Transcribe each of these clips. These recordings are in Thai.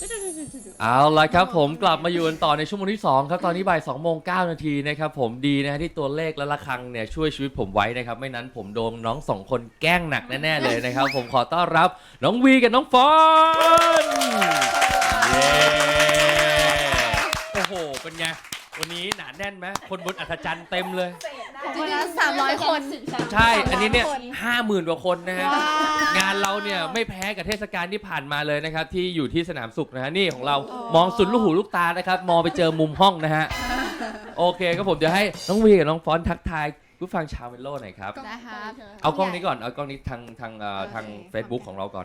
เอาละครับผมกลับมาอยู่กันต่อในชั่วโมงที่2ครับตอนนี้บ่าย2:09 นาทีนะครับผมดีนะที่ตัวเลขและระฆังเนี่ยช่วยชีวิตผมไว้นะครับไม่นั้นผมโดนน้อง2คนแกล้งหนักแน่ๆเลยนะครับผมขอต้อนรับน้องวีกับน้องฟอนเย้โอ้โหเป็นไงวันนี้หนาแน่นไหมคนบนอัศจรรย์เต็มเลยวันละ300 คนใช่อันนี้เนี่ย50,000 กว่าคนนะฮะงานเราเนี่ยไม่แพ้กับเทศกาลที่ผ่านมาเลยนะครับที่อยู่ที่สนามสุขนะฮะนี่ของเรามองสุดลูกหูลูกตานะครับมองไปเจอมุมห้องนะฮะโอเคก็ผมจะให้น้องวีกับน้องฟอนทักทายผู้ฟังชาวเมโลหน่อยครับได้ครับเอากล้องนี้ก่อนเอากล้องนี้ทาง Facebook ของเราก่อน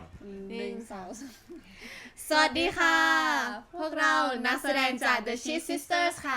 สวัสดีค่ะ พวกเรานักแสดงจาก The Cheese Sisters ค่ะ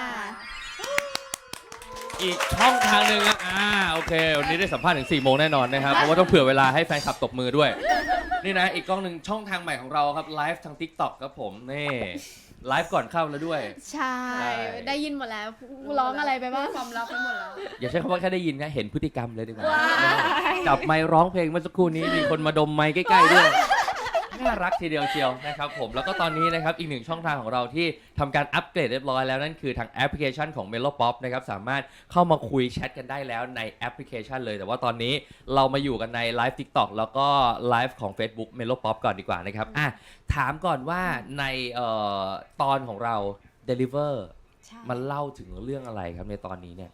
อีกช่องทางหนึ่งโอเควันนี้ได้สัมภาษณ์ถึง4 โมงแน่นอนนะครับเพราะว่าต้องเผื่อเวลาให้แฟนคลับตบมือด้วยนี่นะอีกกล้องหนึ่งช่องทางใหม่ของเราครับไลฟ์ทาง TikTok ครับผมนี่ไลฟ์ก่อนเข้าแล้วด้วยใช่ได้ยินหมดแล้วร้องอะไรไปบ้างความลับไปหมดแล้วอย่าใช้คำว่าแค่ได้ยินนะเห็นพฤติกรรมเลยดีกว่าจับไมค์ร้องเพลงเมื่อสักครู่นี้มีคนมาดมไมค์ใกล้ๆด้วยน่ารักทีเดียวเชียวนะครับผมแล้วก็ตอนนี้นะครับอีกหนึ่งช่องทางของเราที่ทำการอัปเกรดเรียบร้อยแล้วนั่นคือทางแอปพลิเคชันของ Melopop นะครับสามารถเข้ามาคุยแชทกันได้แล้วในแอปพลิเคชันเลยแต่ว่าตอนนี้เรามาอยู่กันในไลฟ์ TikTok แล้วก็ไลฟ์ของ Facebook Melopop ก่อนดีกว่านะครับถามก่อนว่าในตอนของเรา Deliver มันเล่าถึงเรื่องอะไรครับในตอนนี้เนี่ย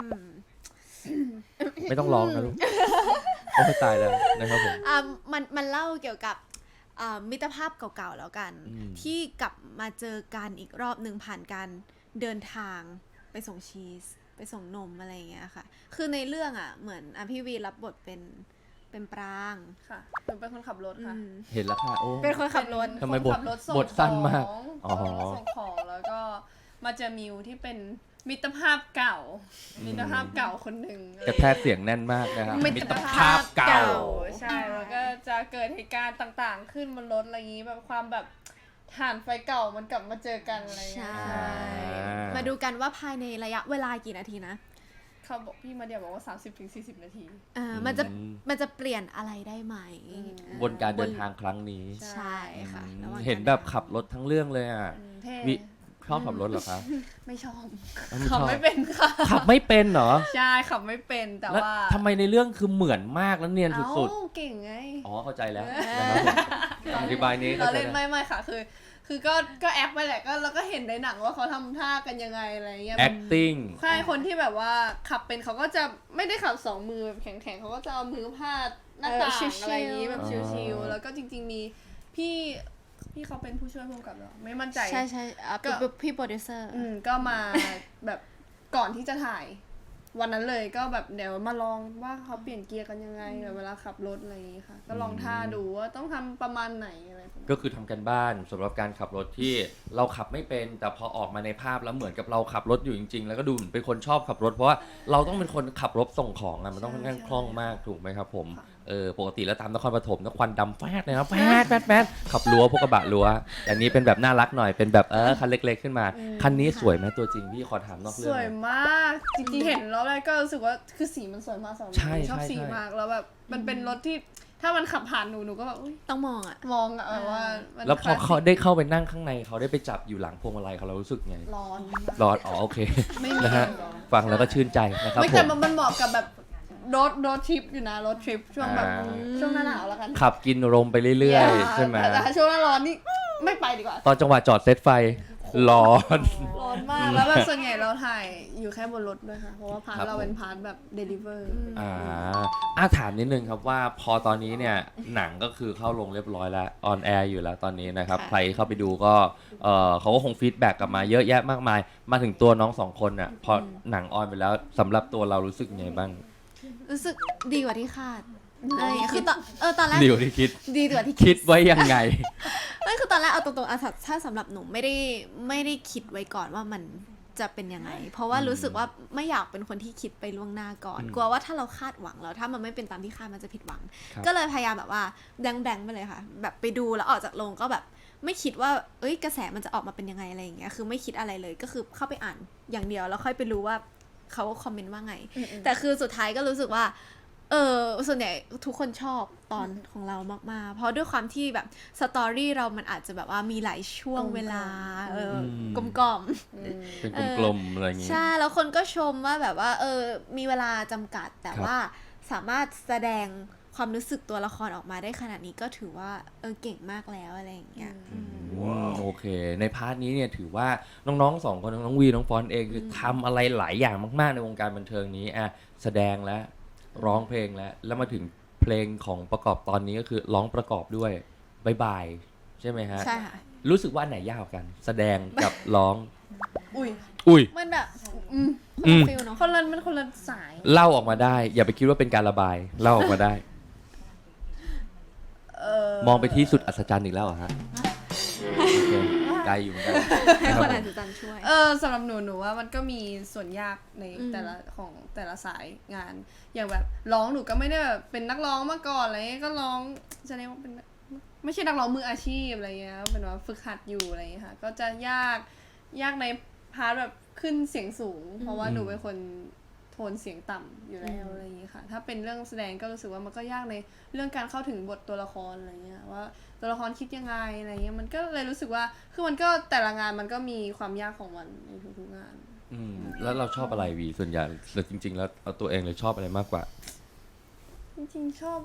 ไม่ต้องร้องนะลูกโอ้ไม่ตายแล้วนะครับผมมันเล่าเกี่ยวกับมิตรภาพเก่าๆแล้วกันที่กลับมาเจอกันอีกรอบหนึ่งผ่านการเดินทางไปส่งชีสไปส่งนมอะไรอย่างเงี้ยค่ะคือในเรื่องเหมือนพี่วีรับบทเป็นปรางค่ะหนูเป็นคนขับรถค่ะเห็นแล้วค่ะโอ้เป็นคนขับรถทำไมบทสั้นมากส่งของแล้วก็มาเจอมิวที่เป็นมิตรภาพเก่ามิตรภาพเก่าคนหนึ่งกระแทกเสียงแน่นมากนะครับมิตรภาพเก่าใช่แล้วก็จะเกิดเหตุการณ์ต่างๆขึ้นบนรถอะไรอย่างนี้แบบความแบบถ่านไฟเก่ามันกลับมาเจอกันอะไรอย่างเงี้ยมาดูกันว่าภายในระยะเวลากี่นาทีนะเขาบอกพี่มาเดียวบอกว่า 30-40 นาทีมันจะเปลี่ยนอะไรได้ไหมบนการเดินทางครั้งนี้ใช่ค่ะเห็นแบบขับรถทั้งเรื่องเลยวิชอบขับรถเหรอคะไม่ชอบขับไม่เป็นค่ะขับไม่เป็นเหรอใช่ขับไม่เป็นแต่ว่าทำไมในเรื่องคือเหมือนมากแล้วเนียนสุดๆเก่งไงอ๋อเข้าใจแล้วนะครับอธิบายนี้เราเล่นไม่ค่ะคือก็แอปไปแหละก็แล้วก็เห็นในหนังว่าเขาทำท่ากันยังไงอะไรเงี้ย acting ใช่คนที่แบบว่าขับเป็นเขาก็จะไม่ได้ขับ2 มือแบบแข็งๆเขาก็จะเอามือพาดหน้าต่างอะไรอย่างงี้แบบชิลๆแล้วก็จริงๆมีพี่เขาเป็นผู้ช่วยผู้กำกับหรอไม่มั่นใจใช่ก็พี่โปรดิวเซอร์ก็มาแบบก่อนที่จะถ่ายวันนั้นเลยก็แบบเดี๋ยวมาลองว่าเขาเปลี่ยนเกียร์กันยังไงแบบเวลาขับรถอะไรอย่างงี้ค่ะก็ลองท่าดูว่าต้องทำประมาณไหนอะไรก็คือทำกันบ้านสำหรับการขับรถที่เราขับไม่เป็นแต่พอออกมาในภาพแล้วเหมือนกับเราขับรถอยู่จริงๆแล้วก็ดูเป็นคนชอบขับรถเพราะว่าเราต้องเป็นคนขับรถส่งของมันต้องค่อนข้างคล่องมากถูกไหมครับผมปกติแล้วตามนครปฐมนะควันดำแฟดเลยนะแฟดขับรั้วพวกกระบะรั้วแต่นี้เป็นแบบน่ารักหน่อยเป็นแบบคันเล็กๆขึ้นมาคันนี้สวยไหมตัวจริงพี่ขอถามนอกเรื่องสวยมากจริงๆเห็นแล้วก็รู้สึกว่าคือสีมันสวยมากชอบสีมากแล้วแบบมันเป็นรถที่ถ้ามันขับผ่านหนูก็แบบต้องมองว่าแล้วพอเขาได้เข้าไปนั่งข้างในเขาได้ไปจับอยู่หลังพวงมาลัยเขาเรารู้สึกไงร้อนโอเคนะฮะฟังแล้วก็ชื่นใจนะครับไม่แต่มันเหมาะกับแบบรถทริปอยู่นะรถทริปช่วงแบบช่วงหน้าหนาวแล้วกันขับกินลมไปเรื่อยๆใช่ไหมแต่ช่วงหน้าร้อนนี่ไม่ไปดีกว่าตอนจังหวะจอดเซตไฟร้อนมากแล้วแบบส่วนใหญ่เราถ่ายอยู่แค่บนรถด้วยค่ะเพราะว่าพาร์ทเราเป็นพาร์ทแบบ deliver ถามนิดนึงครับว่าพอตอนนี้เนี่ยหนังก็คือเข้าลงเรียบร้อยแล้วออนแอร์อยู่แล้วตอนนี้นะครับใครเข้าไปดูก็เขาก็คงฟีดแบ็กกลับมาเยอะแยะมากมายมาถึงตัวน้อง2 คนน่ะพอหนังออนไปแล้วสำหรับตัวเรารู้สึกไงบ้างรู้สึกดีกว่าที่คาดคือตอนแรกดีกว่าที่คิดไว้ยังไงไม่คือตอนแรกเอาตรงๆถ้าสำหรับหนูไม่ได้คิดไว้ก่อนว่ามันจะเป็นยังไงเพราะว่ารู้สึกว่าไม่อยากเป็นคนที่คิดไปล่วงหน้าก่อนกลัวว่าถ้าเราคาดหวังแล้วถ้ามันไม่เป็นตามที่คาดมันจะผิดหวังก็เลยพยายามแบบว่าแบงไปเลยค่ะแบบไปดูแล้วออกจากโรงก็แบบไม่คิดว่ากระแสมันจะออกมาเป็นยังไงอะไรอย่างเงี้ยคือไม่คิดอะไรเลยก็คือเข้าไปอ่านอย่างเดียวแล้วค่อยไปรู้ว่าเขาคอมเมนต์ว่าไงแต่คือสุดท้ายก็รู้สึกว่าส่วนใหญ่ทุกคนชอบตอนของเรามากๆเพราะด้วยความที่แบบสตอรี่เรามันอาจจะแบบว่ามีหลายช่วงเวลา กลมเป็นกลมๆอะไรอย่างๆงี้ใช่แล้วคนก็ชมว่าแบบว่ามีเวลาจำกัดแต่ครับว่าสามารถแสดงความรู้สึกตัวละครออกมาได้ขนาดนี้ก็ถือว่าเก่งมากแล้วอะไรอย่างเงี้ยโอเค ในพาร์ทนี้เนี่ยถือว่าน้องๆสองคนน้องวีน้องฟอนเองคือทำอะไรหลายอย่างมากๆในวงการบันเทิงนี้แสดงแล้วร้องเพลงแล้วมาถึงเพลงของประกอบตอนนี้ก็คือร้องประกอบด้วยบายบายใช่ไหมฮะใช่ค่ะรู้สึกว่าอันไหนยากกว่ากัน แสดงกับร้องอุ้ยมันแบบอืมฟิลเนาะมันคนละสายเล่าออกมาได้ อย่าไปคิดว่าเป็นการระบายเล่าออกมาได้ มองไปที่สุดอัศจรรย์อีกแล้วเหรอฮะโอเคไกลอยู่เหมือนกันให้นะคนรัอาบจจะจันช่วยสำหรับหนูว่ามันก็มีส่วนยากในอืมแต่ละสายงาน อย่างแบบร้องหนูก็ไม่ได้แบบเป็นนักร้องมาก่อนอะไรเงี้ยก็ร้องจะเรียกว่าเป็นไม่ใช่นักร้องมืออาชีพอะไรเงี้ยเป็นว่าฝึกหัดอยู่อะไรเงี้ยค่ะก็จะยากในพาร์ทแบบขึ้นเสียงสูง เพราะว่าหนูเป็นคนโทนเสียงต่ำอยู่แล้วอะไรอย่างเงี้ยค่ะถ้าเป็นเรื่องแสดงก็รู้สึกว่ามันก็ยากในเรื่องการเข้าถึงบทตัวละครอะไรเงี้ยว่าตัวละครคิดยังไงอะไรเงี้ยมันก็เลยรู้สึกว่าคือมันก็แต่ละงานมันก็มีความยากของมันในทุกๆงานแล้วเราชอบอะไรวีส่วนใหญ่หรือจริง ๆ แล้วเอาตัวเองเลยชอบอะไรมากกว่าจริงๆชอบ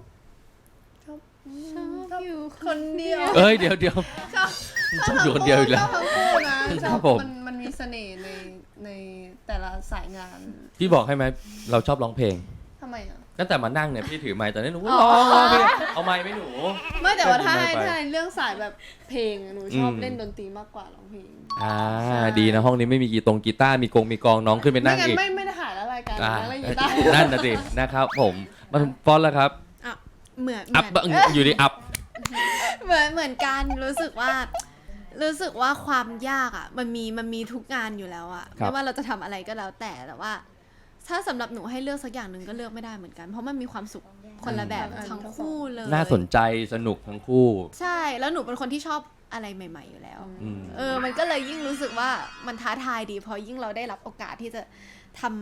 อยู่คนเดียวเอ้ยเดี๋ยวชอบอยู่คนเดียวอีกแล้วชอบทั้งคู่นะชครัอบบผมมันมีเสน่ห์ในแต่ละสายงานพี่บอกให้ไหมเราชอบร้องเพลงทำไมอ่ะตั้งแต่มานั่งเนี่ยพี่ถือไมค์ตอนนี้หนูก็ร้องเพลงเอาไมค์ไหมหนูไม่แต่ว่าถ้าไม่ให้ไปถ้าในเรื่องสายแบบเพลงอะหนูชอบเล่นดนตรีมากกว่าร้องเพลง ใช่ดีนะห้องนี้ไม่มีกีตาร์มีกองน้องขึ้นไปไม่นั่งงั้นอีกไม่ได้ถ่ายแล้วรายการอ่าแล้วอยู่ใต้นั่นน่ะสินะครับผมมาถึงฟอนแล้วครับเหมือนอัพอยู่ดีอัพเหมือนกันรู้สึกว่าความยากอ่ะมันมีทุกงานอยู่แล้วอ่ะครับไม่ว่าเราจะทำอะไรก็แล้วแต่ว่า ถ้าสำหรับหนูให้เลือกสักอย่างหนึ่งก็เลือกไม่ได้เหมือนกัน เพราะมันมีความสุขคนละแบบทั้งคู่เลยน่าสนใจสนุกทั้งคู่ใช่แล้วหนูเป็นคนที่ชอบอะไรใหม่ ๆอยู่แล้วอืมมันก็เลยยิ่งรู้สึกว่ามันท้าทายดีเพราะยิ่งเราได้รับโอกาสที่จะทำ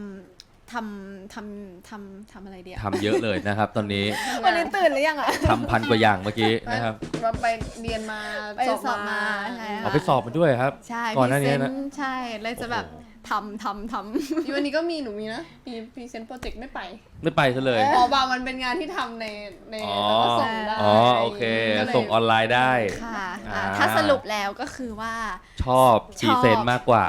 อะไรเดียวทำเยอะเลยนะครับ ตอนนี้วันนี้ตื่นหรือยังอ่ะทำ1,000 กว่าอย่างเมื่อกี้นะครับเราไปเรียนมาไปสอบมาใช่ค่ะเอาไปสอบมาด้วยครับใช่ก่อนหน้านี้นะใช่เลยจะแบบทำอยู่วันนี้ก็มีหนูมีนะมีพรีเซนต์โปรเจกต์ไม่ไปไม่ไปซะเลยบางมันเป็นงานที่ทำในอ๋อแล้วก็ส่งได้โอเคก็เลยส่งออนไลน์ได้ค่ะอ่าถ้าสรุปแล้วก็คือว่าชอบพรีเซนต์มากกว่า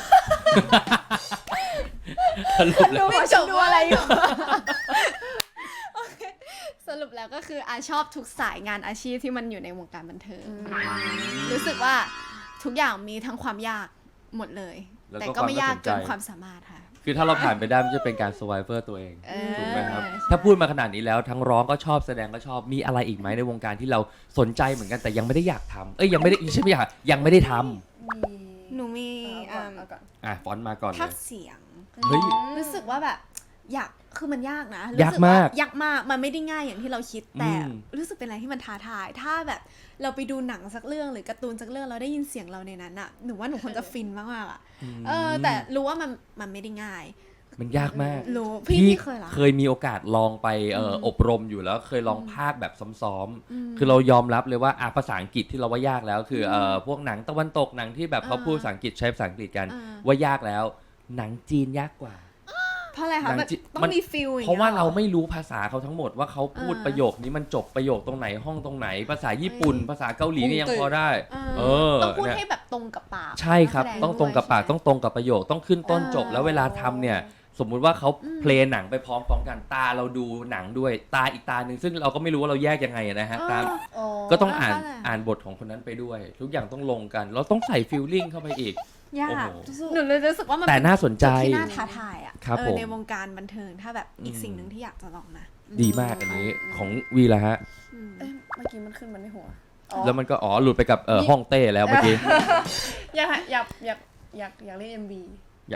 สรุปแล้วไม่จบดูอะไรอยู่ โอเคสรุปแล้วก็คือชอบทุกสายงานอาชีพที่มันอยู่ในวงการบันเทิง รู้สึกว่าทุกอย่างมีทั้งความยากหมดเลยแล้วก็แต่ก็ไม่ยากเกินความน่าสนใจความสามารถค่ะคือถ้าเราผ่านไปได้มันจะเป็นการ survivor ตัวเอง ถูกไหมครับใช่ถ้าพูดมาขนาดนี้แล้วทั้งร้องก็ชอบแสดงก็ชอบมีอะไรอีกไหมในวงการที่เราสนใจเหมือนกันแต่ยังไม่ได้อยากทำยังไม่ได้ใช่ไม่อยากยังไม่ได้ทหนูมีเอาก่อนำฟอนต์มาก่อนเลภาคยเสียงเฮ้ยรู้สึกว่าแบบอยากคือมันยากนะยากมากยากมากมันไม่ได้ง่ายอย่างที่เราคิดแต่อืมรู้สึกเป็นอะไรที่มันท้าทาย ถ้าแบบเราไปดูหนังสักเรื่องหรือการ์ตูนสักเรื่องเราได้ยินเสียงเราในนั้นอะหนูว่าหนูคงจะฟินมากๆอะแต่รู้ว่ามันไม่ได้ง่ายมันยากมากรู้พี่เคยเหรอเคยมีโอกาสลองไปอบรมอยู่แล้วเคยลองภาคแบบซ้อมๆคือเรายอมรับเลยว่าภาษาอังกฤษที่เราว่ายากแล้วคือพวกหนังตะวันตกหนังที่แบบเขาพูดภาษาอังกฤษใช้ภาษาอังกฤษกัน ว่ายากแล้วหนังจีนยากกว่าเพราะอะไรคะหนังมันจีนต้อมันงมีฟิลอย่างเพราะว่างี้ยหเราไม่รู้ภาษาเขาทั้งหมดว่าเขาพูดประโยคนี้มันจบประโยคตรงไหนห้องตรงไหน ภาษาญี่ปุ่น ภาษาเกาหลีนี่ยังพอได้ต้องพูดเนี่ยให้แบบตรงกับปากใช่ครับนัแสดต้องตรงกับปากด้วยต้องตรงกับประโยคต้องขึ้นต้นจบ แล้วเวลาทำเนี่ย สมมุติว่าเขาเพลงหนังไปพร้อมๆกันตาเราดูหนังด้วยตาอีกตาหนึ่งซึ่งเราก็ไม่รู้ว่าเราแยกยังไงนะฮะตาม ก็ต้องอ่านบทของคนนั้นไปด้วย ทุกอย่างต้องลงกัน เราต้องใส่ฟีลลิ่งเข้าไปอีกยากโอ้โหหนูเลยรู้สึกว่ามันแต่น่าสนใจจุดที่น่าท้าทายอ่ะครับผมในวงการบันเทิงถ้าแบบอีกสิ่งหนึ่งที่อยากจะลองนะดีมากอันนี้ของวีละฮะเมื่อกี้มันขึ้นมาในหัวแล้วมันก็หลุดไปกับห้องเต้แล้วเมื่อกี้อยากเล่น MV อย่า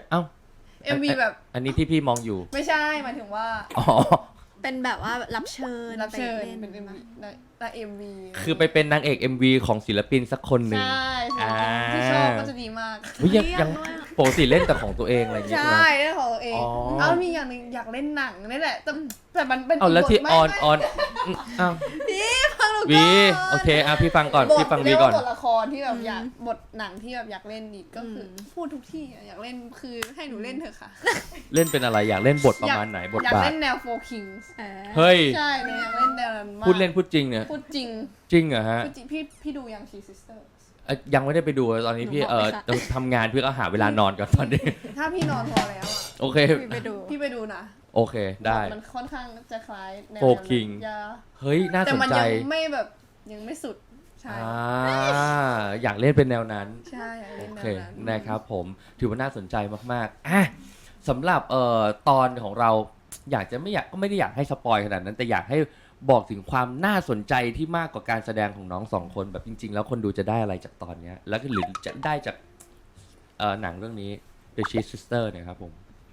MV แบบอันนี้ที่พี่มองอยู่ไม่ใช่หมายถึงว่าอ๋อเป็นแบบว่ารับเชิญรับเชิญไปล่เป็น MV ได้ MV คือไปเป็นนางเอก MV ของศิลปินสักคนหนึ่งใช่อ่าที่ชอบก็จะดีมากเฮ้ยยังปกติเล่นแต่ของตัวเองอะไรอย่างเงี้ยใช่ใช่ไหมเรื่องของตัวเองอ๋อเอามีอย่างหนึงอยากเล่นหนังนี่แหละแต่มันเป็นเอาแล้วที่บทไม่ออนไม่ออนอ้าวฟังหนูวีก่อนโอเคพี่ฟังก่อนบทพี่ฟังวีเรียกก่อว่าน บทละครที่แบบอยากบทหนังที่แบบอยากเล่นอีกก็คืออพูดทุกที่อะอยากเล่นคือให้หนูเล่นเถอะค่ะเล่นเป็นอะไรอยากเล่นบทประมาณไหนบทอยากบาทเล่นแนว Four Kings เฮ้ยใช่หนูอยากเล่นแนวนั้นมากพูดเล่นพูดจริงเนี่ยพูดจริงจริงเหรอฮะพูดจริงพี่ดูยัง She Sisters ยังไม่ได้ไปดูตอนนี้พี่หนูบอกเลยค่ะต้องทำงานพี่ก็หาเวลานอนก่อนตอนนี้ถ้าพี่นอนพอแล้วอะโอเคไปดูพี่ไปดูนะโอเคได้มันค่อนข้างจะคล้ายแนว Four นั้น King อย่าเฮ้ยน่าแต่สนมันใจยังไม่แบบยังไม่สุดใช่อยากเล่นเป็นแนวนั้นใช่อยากเล่นโอแนเควนั้นนะครับผมถือว่าน่าสนใจมากๆสำหรับตอนของเราอยากจะไม่อยากก็ไม่ได้อยากให้สปอยขนาดนั้น แต่อยากให้บอกถึงความน่าสนใจที่มากกว่าการแสดงของน้องสองคนแบบจริง ๆ แล้วคนดูจะได้อะไรจากตอนเนี้ยแล้วก็หรือจะได้จากหนังเรื่องนี้ The Cheat Sister เนี่ยครับผม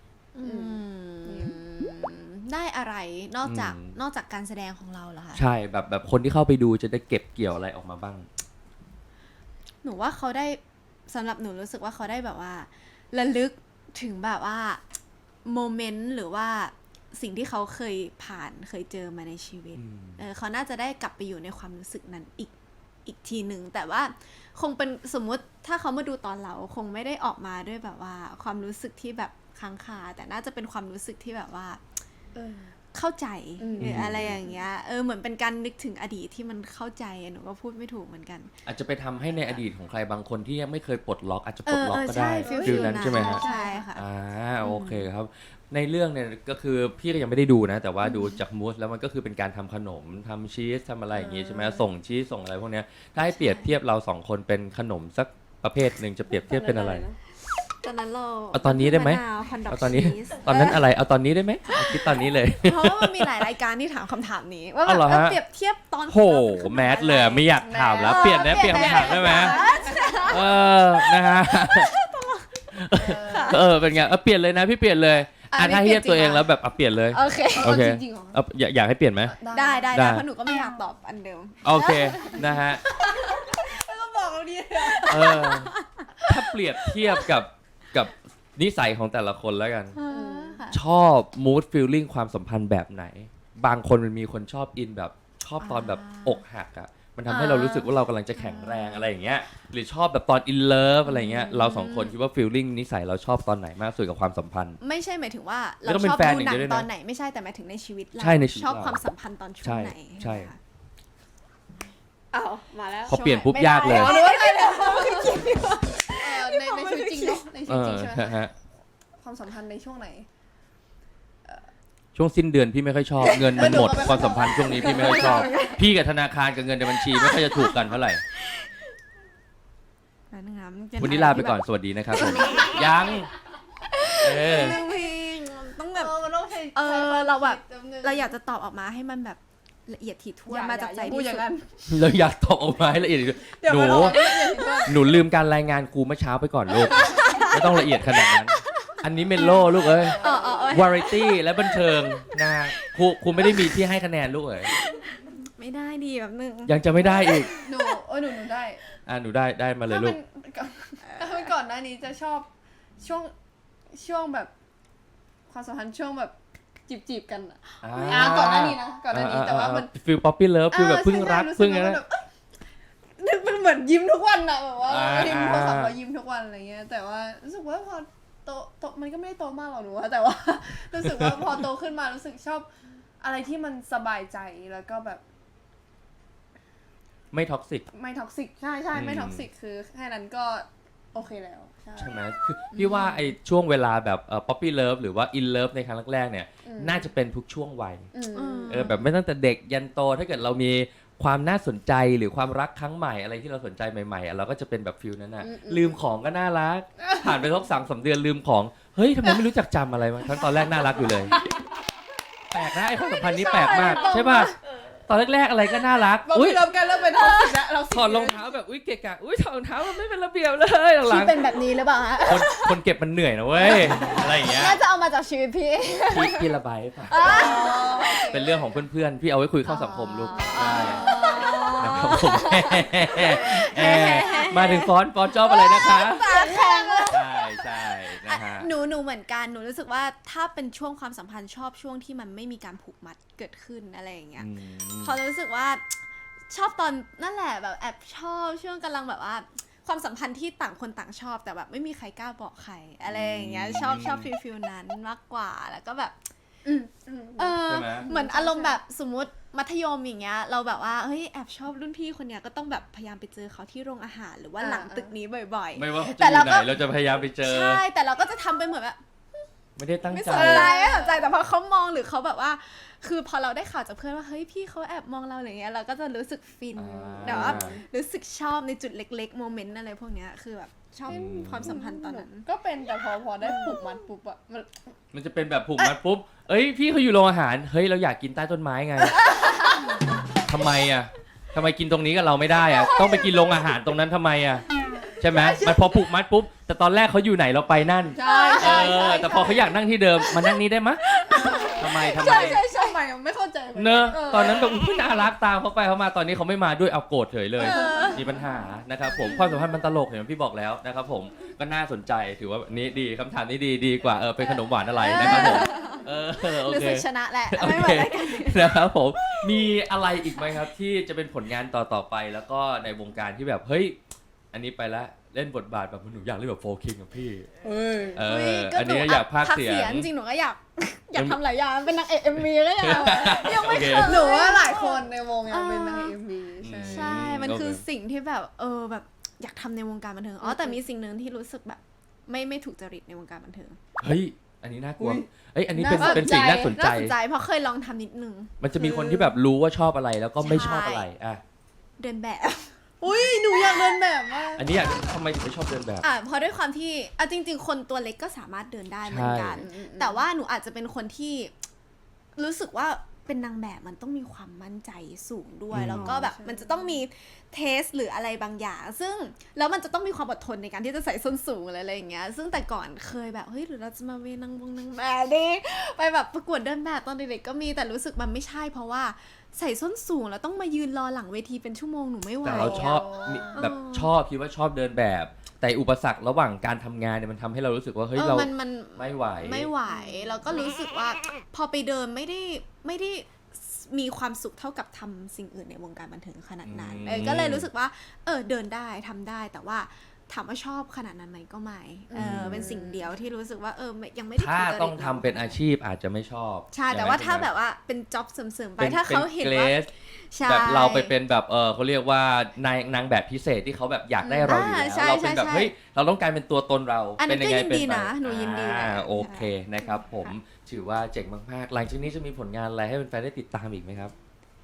ได้อะไรนอกจากอืมนอกจากการแสดงของเราเหรอคะใช่แบบคนที่เข้าไปดูจะได้เก็บเกี่ยวอะไรออกมาบ้างหนูว่าเขาได้สำหรับหนูรู้สึกว่าเขาได้แบบว่าระลึกถึงแบบว่าโมเมนต์หรือว่าสิ่งที่เขาเคยผ่านเคยเจอมาในชีวิต เขาน่าจะได้กลับไปอยู่ในความรู้สึกนั้นอีกทีหนึ่งแต่ว่าคงเป็นสมมุติถ้าเขามาดูตอนเราคงไม่ได้ออกมาด้วยแบบว่าความรู้สึกที่แบบค้างคาแต่น่าจะเป็นความรู้สึกที่แบบว่าเออเข้าใจอืมหรืออะไรอย่างเงี้ยเหมือนเป็นการนึกถึงอดีตที่มันเข้าใจหนูก็พูดไม่ถูกเหมือนกันอาจจะไปทำให้ในอดีตของใครบางคนที่ยังไม่เคยปลดล็อกอาจจะปลดล็อกก็ใช่ได้ฟิลฟิลนั้นใช่ไหมฮะใช่ค่ะโอเคครับ ในเรื่องเนี่ยก็คือพี่ก็ยังไม่ได้ดูนะ แต่ว่าดูจากมูสแล้วมันก็คือเป็นการทำขนมทำชีสทำอะไรอย่างงี้ใช่ไหมส่งชีสส่งอะไรพวกเนี้ยถ้าให้เปรียบเทียบเราสองคนเป็นขนมสักประเภทหนึ่งจะเปรียบเทียบเป็นอะไรตอนนั้นเราเอาตอนนี้ได้ไหมมะนาวคอนดอกเอาตอนนี้ชีสตอนนั้นอะไรเอาตอนนี้ได้ไหมเอาคิดตอนนี้เลยเพราะว่ามันมีหลายรายการที่ถามคำถามนี้ว่าแบอ๋บอเหรอฮะเปรียบเทียบตอนโหแมสเลยอะไม่อยากถามแล้วเปลี่ยนนะเปลี่ยนคำถามได้ไหมนะฮะเป็นไงเปลี่ยนเลยนะพี่เปลี่ยนเลยถ้าเทียบตัวเองแล้วแบบเปลี่ยนเลยโอเคโอเคจริงๆเหรออยากให้เปลี่ยนไหมได้ได้เพราะหนูก็ไม่อยากตอบอันเดิมโอเคนะฮะก็บอกเราดีถ้าเปรียบเทียบกับนิสัยของแต่ละคนแล้วกันค่ะชอบ mood feeling ความสัมพันธ์แบบไหน บางคนมันมีคนชอบอินแบบชอบตอนแบบอกหักอ่ะมันทำให้เรารู้สึกว่าเรากำลังจะแข็งแรงอะไรอย่างเงี้ยหรือชอบแบบตอน in love อะไรเงี้ยเราสองคนคิดว่า feeling นิสัยเราชอบตอนไหนมากสุดกับความสัมพันธ์ไม่ใช่หมายถึงว่าไม่เราต้องเป็ชนอบแฟนดูอย่างหนัเดียวด้วยนะงตอนไหนไม่ใช่แต่หมายถึงในชีวิตเราใช่ในชีวิตชอบเราความสัมพันธ์ตอนช่วงไหนใช่ค่ะอ้าวมาแล้วพอเปลี่ยนปุ๊บยากเลยหรือว่าใครเนี่ยในชีวิตจริงเนาะในชีวิตจริงใช่ไหมฮะความสัมพันธ์ในช่วงไหนช่วงสิ้นเดือนพี่ไม่ค่อยชอบเงินมันหมดความสัมพันธ์ช่วงนี้พี่ไม่ค่อยชอบ พี่กับธนาคารกับเงินในบัญชีไม่ค่อยจะถูกกันเท่าไหร่ วันนี้ลาไปก่อนสวัสดีนะครับผมยังต้องแบบมันต้องใช้เราแบบเราอยากจะตอบออกมาให้มันแบบละเอียดถี่ถ้วนมาจากใจพูดที่อย่าสุงดนั้นเราอยากตอบออกมาให้ละเอียดหนูลืมการรายงานครูเมื่อเช้าไปก่อนลูกไม่ต้องละเอียดขนาดนั้นอันนี้เมนโล่ลูกเอ้ยวาไรตี้และบันเทิงนะครูไม่ได้มีที่ให้คะแนนลูกเอ้ยไม่ได้ดีแบบนึงยังจะไม่ได้อีกหนูได้หนูได้มาเลยลูกถ้าเป็นก่อนหน้านี้จะชอบช่วงแบบความสัมพันธ์ช่วงแบบจีบกันอ่ะก่อนหน้านี้นะก่อนหน้านี้แต่ว่ามันฟิลป๊อปปี้เลิฟฟิลแบบเพิ่งรักเพิ่งอะไรนึกมันเหมือนยิ้มทุกวันอะแบบว่าอ่ายิ้มโทรศัพท์เรายิ้มทุกวันอะไรเงี้ยแต่ว่ารู้สึกว่าพอโตมันก็ไม่ได้โตมากหรอกหนูว่าแต่ว่า รู้สึกว่าพอโตขึ้นมารู้สึกชอบอะไรที่มันสบายใจแล้วก็แบบไม่ท็อกซิกไม่ท็อกซิกใช่ไม่ท็อกซิกคือแค่นั้นก็โอเคแล้วใช่ไหมคือพี่ว่าไอ้ช่วงเวลาแบบป๊อปปี้เลิฟหรือว่าอินเลิฟในครั้งแรกๆเนี่ยน่าจะเป็นทุกช่วงวัยแบบไม่ตั้งแต่เด็กยันโตถ้าเกิดเรามีความน่าสนใจหรือความรักครั้งใหม่อะไรที่เราสนใจใหม่ๆเราก็จะเป็นแบบฟิลนั้นน่ะลืมของก็น่ารักผ่านไปสัก3-3 เดือนลืมของเฮ้ยทำไมไม่รู้จักจำอะไรมาทั้งตอนแรกน่ารักอยู่เลยแปลกนะไอ้ความสัมพันธ์นี้แปลกมากใช่ป่ะตอนแรกๆอะไรก็น่ารักอุ้ยเริ่มกันเริ่มเป็นท็อกซิกแล้วเราถอดรองเท้าแบบอุ้ยเกะกะอุ้ยถอดรองเท้ามันไม่เป็นระเบียบเลยหลัที่งเป็นแบบนี้หรือเปล่าฮะๆคนเก็บมันเหนื่อยนะเว้ยอะไรอย่างเงี้ยน่าจะเอามาจากชีวิตพี่พี่ระบายให้ฟังเป็นเรื่องของเพื่อนๆพี่เอาไว้คุยเข้าสังคมลูกได้นะครับผมมาถึงฟอนชอบอะไรนะคะปากแข็งใช่ฮะหนูเหมือนกันหนูรู้สึกว่าถ้าเป็นช่วงความสัมพันธ์ชอบช่วงที่มันไม่มีการผูกมัดเกิดขึ้นอะไรอย่างเงี้ยพอรู้สึกว่าชอบตอนนั่นแหละแบบแอบชอบช่วงกำลังแบบว่าความสัมพันธ์ที่ต่างคนต่างชอบแต่แบบไม่มีใครกล้าบอกใครอะไรอย่างเงี้ยชอบฟิลนั้นมากกว่าแล้วก็แบบใช่ไหมเหมือนอารมณ์แบบสมมุติมัธยมอย่างเงี้ยเราแบบว่าเฮ้ยแอบชอบรุ่นพี่คนเนี้ยก็ต้องแบบพยายามไปเจอเขาที่โรงอาหารหรือว่าหลังตึกนี้บ่อยๆไม่ว่าเขาจะแต่อยู่เราไหก็นเราจะพยายามไปเจอใช่แต่เราก็จะทำไปเหมือนแบบไม่ได้ตั้งไม่ใจสนใจแต่พอเขามองหรือเขาแบบว่า คือพอเราได้ข่าวจากเพื่อนว่าเฮ้ยพี่เขาแอบมองเราอะไรเงี้ยเราก็จะรู้สึกฟินแต่ว่ารู้สึกชอบในจุดเล็กๆโมเมนต์อะไรพวกเนี้ยคือแบบชอบความสัมพันธ์ตอนนั้นก็เป็นแต่พอได้ผูกมัดปุ๊บอะมันจะเป็นแบบผูกมัดปุ๊บเอ้ยพี่เขาอยู่โรงอาหารเฮ้ยเราอยากกินใต้ต้นไม้ไง ทำไมกินตรงนี้กับเราไม่ได้อะต้องไปกินโรงอาหารตรงนั้นทำไมอะใช่ไหมมันพอผูกมัดปุ๊บแต่ตอนแรกเขาอยู่ไหนเราไปนั่นใช่แต่พอเขาอยากนั่งที่เดิมมานั่งนี้ได้มะทำไมใช่ใหม่ไม่เข้าใจเนอะตอนนั้นแบบอุ๊ยน่ารักตามเขาไปเขามาตอนนี้เขาไม่มาด้วยเอาโกรธเฉยเลยมีปัญหานะครับผมความสัมพันธ์มันตลกเห็นไหมพี่บอกแล้วนะครับผมก็น่าสนใจถือว่านี้ดีคำถามนี้ดีกว่าเป็นขนมหวานอะไรนะครับผมโอรู้เคสึกชนะแหละโอไม่เหเคมือนกันนะครับผมมีอะไรอีกไหมครับที่จะเป็นผลงานต่อไปแล้วก็ในวงการที่แบบเฮ้ยอันนี้ไปละเล่นบทบาทแบบหนูอยากเล่นแบบโฟคิงกับพี่อันนี้อยากพากย์เสียงจริงหนูก็อยากทำหลายอย่างเป็นนางเอก MV ก็ยังไม่เคยหนูว่าหลายคนในวงยังเป็นนาง MV ใช่มันคือสิ่งที่แบบแบบอยากทำในวงการบันเทิงแต่มีสิ่งหนึ่งที่รู้สึกแบบไม่ถูกจริตในวงการบันเทิงเฮ้ยอันนี้น่ากลัวอันนี้เป็นสิ่งน่าสนใจเพราะเคยลองทำนิดนึงมันจะมีคนที่แบบรู้ว่าชอบอะไรแล้วก็ไม่ชอบอะไรเดินแบบอุ้ยหนูอยากเดินแบบมากอันนี้ทำไมถึงไม่ชอบเดินแบบเพราะด้วยความที่จริงๆคนตัวเล็กก็สามารถเดินได้เหมือนกันแต่ว่าหนูอาจจะเป็นคนที่รู้สึกว่าเป็นนางแบบมันต้องมีความมั่นใจสูงด้วยแล้วก็แบบมันจะต้องมีเทสหรืออะไรบางอย่างซึ่งแล้วมันจะต้องมีความอดทนในการที่จะใส่ส้นสูงอะไรอย่างเงี้ยซึ่งแต่ก่อนเคยแบบเฮ้ยหรือเราจะมาเวนางแบบดิไปแบบประกวดเดินแบบตอนเด็กๆก็มีแต่รู้สึกมันไม่ใช่เพราะว่าใส่ส้นสูงแล้วต้องมายืนรอหลังเวทีเป็นชั่วโมงหนูไม่ไหวแต่เราชอบแบบคิดว่าชอบเดินแบบแต่อุปสรรคระหว่างการทำงานเนี่ยมันทำให้เรารู้สึกว่าเฮ้ยเราไม่ไหวถ้าต้องทำเป็นอาชีพอาจจะไม่ชอบใช่แต่ว่าถ้าแบบว่าเป็นจ็อบเสริมๆไปถ้าเขาเห็นว่าแบบเราไปเป็นแบบเขาเรียกว่านางแบบพิเศษที่เขาแบบอยากได้เราอยู่แล้วเราเป็นแบบเฮ้ยเราต้องการเป็นตัวตนเราเป็นยังไงเป็นไปหนูยินดีโอเคนะครับผมถือว่าเจ๋งมากๆหลังจากนี้จะมีผลงานอะไรให้แฟนๆได้ติดตามอีกไหมครับ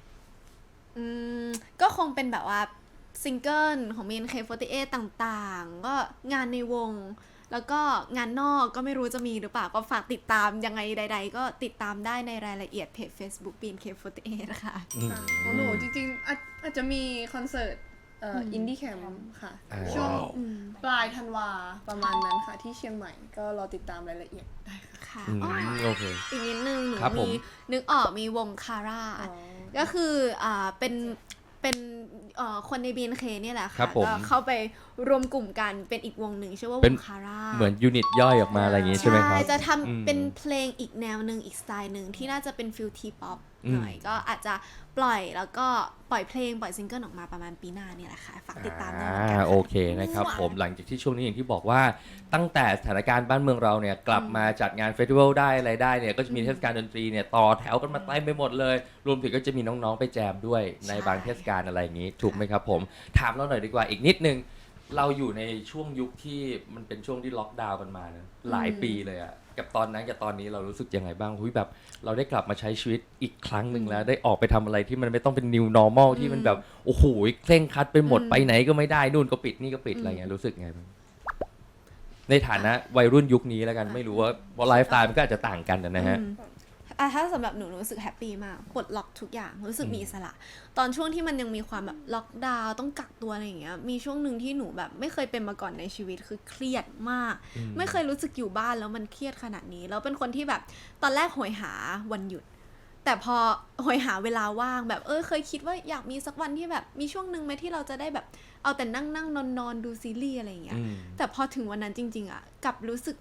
ก็คงเป็นแบบว่าซิงเกิลของ BNK48 ต่างๆก็งานในวงแล้วก็งานนอกก็ไม่รู้จะมีหรือเปล่าก็ฝากติดตามยังไงใดๆก็ติดตามได้ในรายละเอียดเพจ Facebook BNK48 นะคะของหนูจริงๆอาจจะมีคอนเสิร์ตอินดี้แคมป์ค่ะช่วงปลายธันวาประมาณนั้นค่ะที่เชียงใหม่ก็รอติดตามรายละเอียดได้ค่ะโอเคอีกนิดนึงหนูมีนึกออกมีวงคาร่าก็คือเป็นคนใน BNK เนี่ยแหละค่ะก็เข้าไปรวมกลุ่มกันเป็นอีกวงหนึ่งชื่อว่าวงคาร่าเหมือนยูนิตย่อยออกมาอะไรอย่างงี้ใช่ไหมครับจะทำเป็นเพลงอีกแนวหนึ่งอีกสไตล์หนึ่งที่น่าจะเป็นฟิลทีป๊อปหน่อยก็อาจจะปล่อยแล้วก็ปล่อยเพลงปล่อยซิงเกิลออกมาประมาณปีหน้าเนี่ยแหละค่ะฝากติดตามด้วยโอเคนะครับผมหลังจากที่ช่วงนี้อย่างที่บอกว่าตั้งแต่สถานการณ์บ้านเมืองเราเนี่ยกลับมาจัดงานเฟสติวัลได้อะไรได้เนี่ยก็จะมีเทศกาลดนตรีเนี่ยต่อแถวกันมาเต็มไปหมดเลยรวมถึงก็จะมีน้องๆไปแจมด้วยในบางเทศกาลอะไรอย่างนี้ถูกไหมครับผมถามเราหน่อยดีกว่าอีกนิดนึงเราอยู่ในช่วงยุคที่มันเป็นช่วงที่ล็อกดาวน์กันมานะหลายปีเลยอะกับตอนนั้นกับตอนนี้เรารู้สึกยังไงบ้างแบบเราได้กลับมาใช้ชีวิตอีกครั้งหนึ่งแล้วได้ออกไปทำอะไรที่มันไม่ต้องเป็น new normal ที่มันแบบโอ้โหเคร่งครัดไปหมดไปไหนก็ไม่ได้นู่นก็ปิดนี่ก็ปิดอะไรเงี้ยรู้สึกไงบ้างในฐานะวัยรุ่นยุคนี้แล้วกันไม่รู้ว่าไลฟ์สไตล์มันก็อาจจะต่างกันนะฮะถ้าสำหรับหนูรู้สึกแฮปปี้มากปลดล็อกทุกอย่างรู้สึกมีอิสระตอนช่วงที่มันยังมีความแบบล็อกดาวน์ต้องกักตัวอะไรอย่างเงี้ยมีช่วงหนึ่งที่หนูแบบไม่เคยเป็นมาก่อนในชีวิตคือเครียดมากไม่เคยรู้สึกอยู่บ้านแล้วมันเครียดขนาดนี้แล้วเป็นคนที่แบบตอนแรกโหยหาวันหยุดแต่พอโหยหาเวลาว่างแบบเคยคิดว่าอยากมีสักวันที่แบบมีช่วงหนึ่งไหมที่เราจะได้แบบเอาแต่นั่งนอนดูซีรีส์อะไรอย่างเงี้ยแต่พอถึงวันนั้นจริงๆอ่ะกลับรู้สึก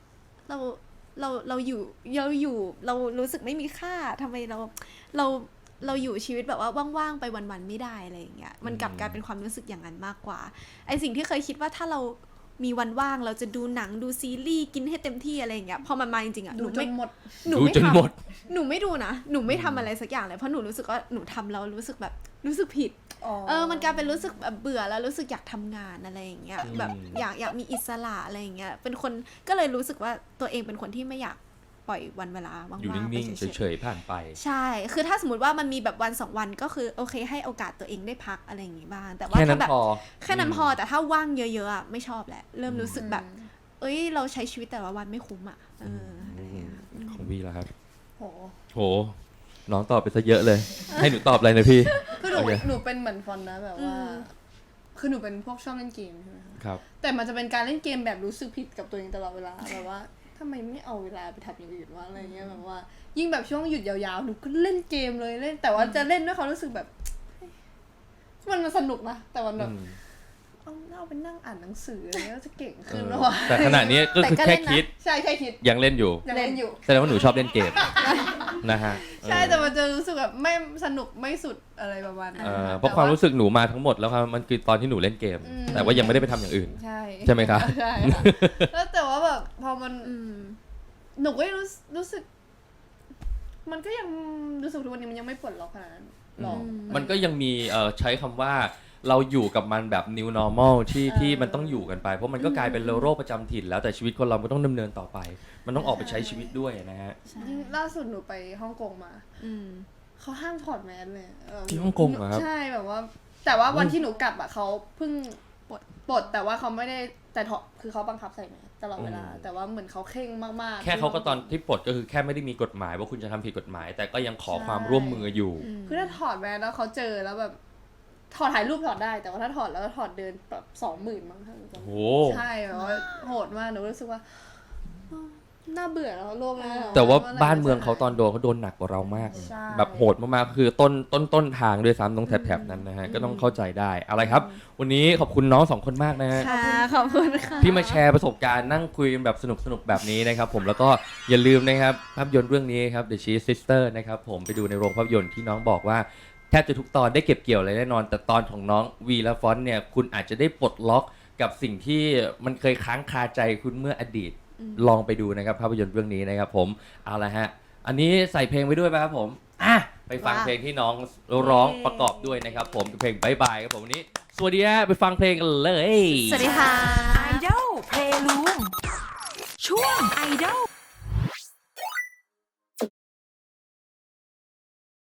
เราอยู่เรารู้สึกไม่มีค่าทำไมเราอยู่ชีวิตแบบว่าว่างๆไปวันๆไม่ได้อะไรอย่างเงี้ยมันกลับกลายเป็นความรู้สึกอย่างนั้นมากกว่าไอสิ่งที่เคยคิดว่าถ้าเรามีวันว่างเราจะดูหนังดูซีรีส์กินให้เต็มที่อะไรอย่างเงี้ยพอมันมาจริงๆอ่ะหดูนูจไม่นหมดหนูดูไม่จนทหมดำหนูไม่ดูนะหนูไม่ทำอะไรสักอย่างเลยเพราะหนูรู้สึกว่าหนูทำแล้วรู้สึกแบบรู้สึกผิดมันกลายเป็นรู้สึกแบบเบื่อแล้วรู้สึกอยากทำงานอะไรอย่างเงี้ยแบบอยากมีอิสระอะไรอย่างเงี้ยเป็นคนก็เลยรู้สึกว่าตัวเองเป็นคนที่ไม่อยากปล่อยวันเวลาว่างๆอยู่นิ่งไปๆเฉยๆผ่านไปใช่คือถ้าสมมติว่ามันมีแบบวัน2วันก็คือโอเคให้โอกาสตัวเองได้พักอะไรอย่างงี้บ้างแต่ว่าแค่นั้ถ้าน แบบพอแค่นั้นพอแต่ถ้าว่างเยอะๆอ่ะไม่ชอบแหละเริ่มรู้สึกแบบเอ้ยเราใช้ชีวิตแต่ละวันไม่คุ้มอ่ะอะไรอย่างเงี้ยของวีแล้วครับโหโหน้องตอบไปซะเยอะเลย ให้หนูตอบอะไรนะพี่คือหนูโอเคหนูเป็นเหมือนฟอนนะแบบว่า คือหนูเป็นพวกชอบเล่นเกมใช่ไหมคะครับแต่มันจะเป็นการเล่นเกมแบบรู้สึกผิดกับตัวเองตลอดเวลาแบบว่าทำไมไม่เอาเวลาไปทำอย่างอื่นวะอะไรเงี้ยแบบว่า ยิ่งแบบช่วงหยุดยาวๆหนูก็เล่นเกมเลยเล่นแต่ว่าจะเล่นด้วยความรู้สึกแบบมันสนุกนะแต่มันแบบเอาไปนั่งอ่านหนังสืออะไรเงี้ยจะเก่งขึ้นหรอวะแต่ขณะนี้ก็คือแค่คิดใช่แค่คิดยังเล่นอยู่ยังเล่นอยู่แสดงว่าหนูชอบเล่นเกม นะฮะใช่แต่มันจะรู้สึกแบบไม่สนุกไม่สุดอะไรประมาณนั้นเพราะความรู้สึกหนูมาทั้งหมดแล้วครับมันคือตอนที่หนูเล่นเกม แต่ว่ายังไม่ได้ไปทำอย่างอื่นใช่ใช่ไหมครับใช่ค่ะแล้วแต่ว่าแบบพอมันหนูก็รู้สึก มันก็ยังรู้สึกทุกวันนี้มันยังไม่ปลดล็อกขนาดนั้นหรอกมันก็ยังมีใช้คำว่าเราอยู่กับมันแบบ new normal ที่มันต้องอยู่กันไป เพราะมันก็กลายเป็นโรคประจำถิ่นแล้วแต่ชีวิตคนเราก็ต้องดำเนินต่อไป มันต้องออกไปใช้ชีวิตด้วยนะฮะยิ่งล่าสุดหนูไปฮ่องกงมาเขาห้ามถอดแมสเลยที่ฮ่องกงเหรอครับใช่แบบว่า แต่ว่าวันที่หนูกลับอ่ะเขาเพิ่งปลดแต่ว่าเขาไม่ได้แต่ถอดคือเขาบังคับใส่แมสตลอดเวลา แต่ว่าเหมือนเขาเคร่งมากๆแค่เขาก็ตอนที่ปลดก็คือแค่ไม่ได้มีกฎหมายว่าคุณจะทำผิดกฎหมาย แต่ก็ยังขอความร่วมมืออยู่คือถ้าถอดแมสแล้วเขาเจอแล้วแบบถอดถ่ายรูปถอดได้แต่ว่าถ้าถอดแล้วก็ถอดเดินแบบ20,000มั้งโอ้โหใช่แบบว่าโหดมากหนูรู้สึกว่าน่าเบื่อแล้วโลกนี้แต่ว่าบ้านเมืองเขาตอนโดนเขาโดนหนักกว่าเรามากใช่แบบโหดมากๆคือต้นทางด้วยซ้ำตรงแถบๆนั้นนะฮะก็ต้องเข้าใจได้อะไรครับ วันนี้ขอบคุณน้องสองคนมากนะฮะค่ะขอบคุณค่ะที่มาแชร์ประสบการณ์นั่งคุยกันแบบสนุกๆแบบนี้นะครับผมแล้วก็อย่าลืมนะครับภาพยนตร์เรื่องนี้ครับ The Cheese Sister นะครับผมไปดูในโรงภาพยนตร์ที่น้องบอกว่าแทบจะทุกตอนได้เก็บเกี่ยวอะไรแน่นอน แต่ตอนของน้องวีและฟอนต์เนี่ยคุณอาจจะได้ปลดล็อกกับสิ่งที่มันเคยค้างคาใจคุณเมื่ออดีตลองไปดูนะครับภาพยนตร์เรื่องนี้นะครับผมเอาละฮะอันนี้ใส่เพลงไว้ด้วยป่ะครับผมไปฟังเพลงที่น้องร้องประกอบด้วยนะครับผมกับเพลงบายบายครับผมวันนี้สวัสดีฮะไปฟังเพลงกันเลยสวัสดีค่ะ Idol Playroom ช่วง Idol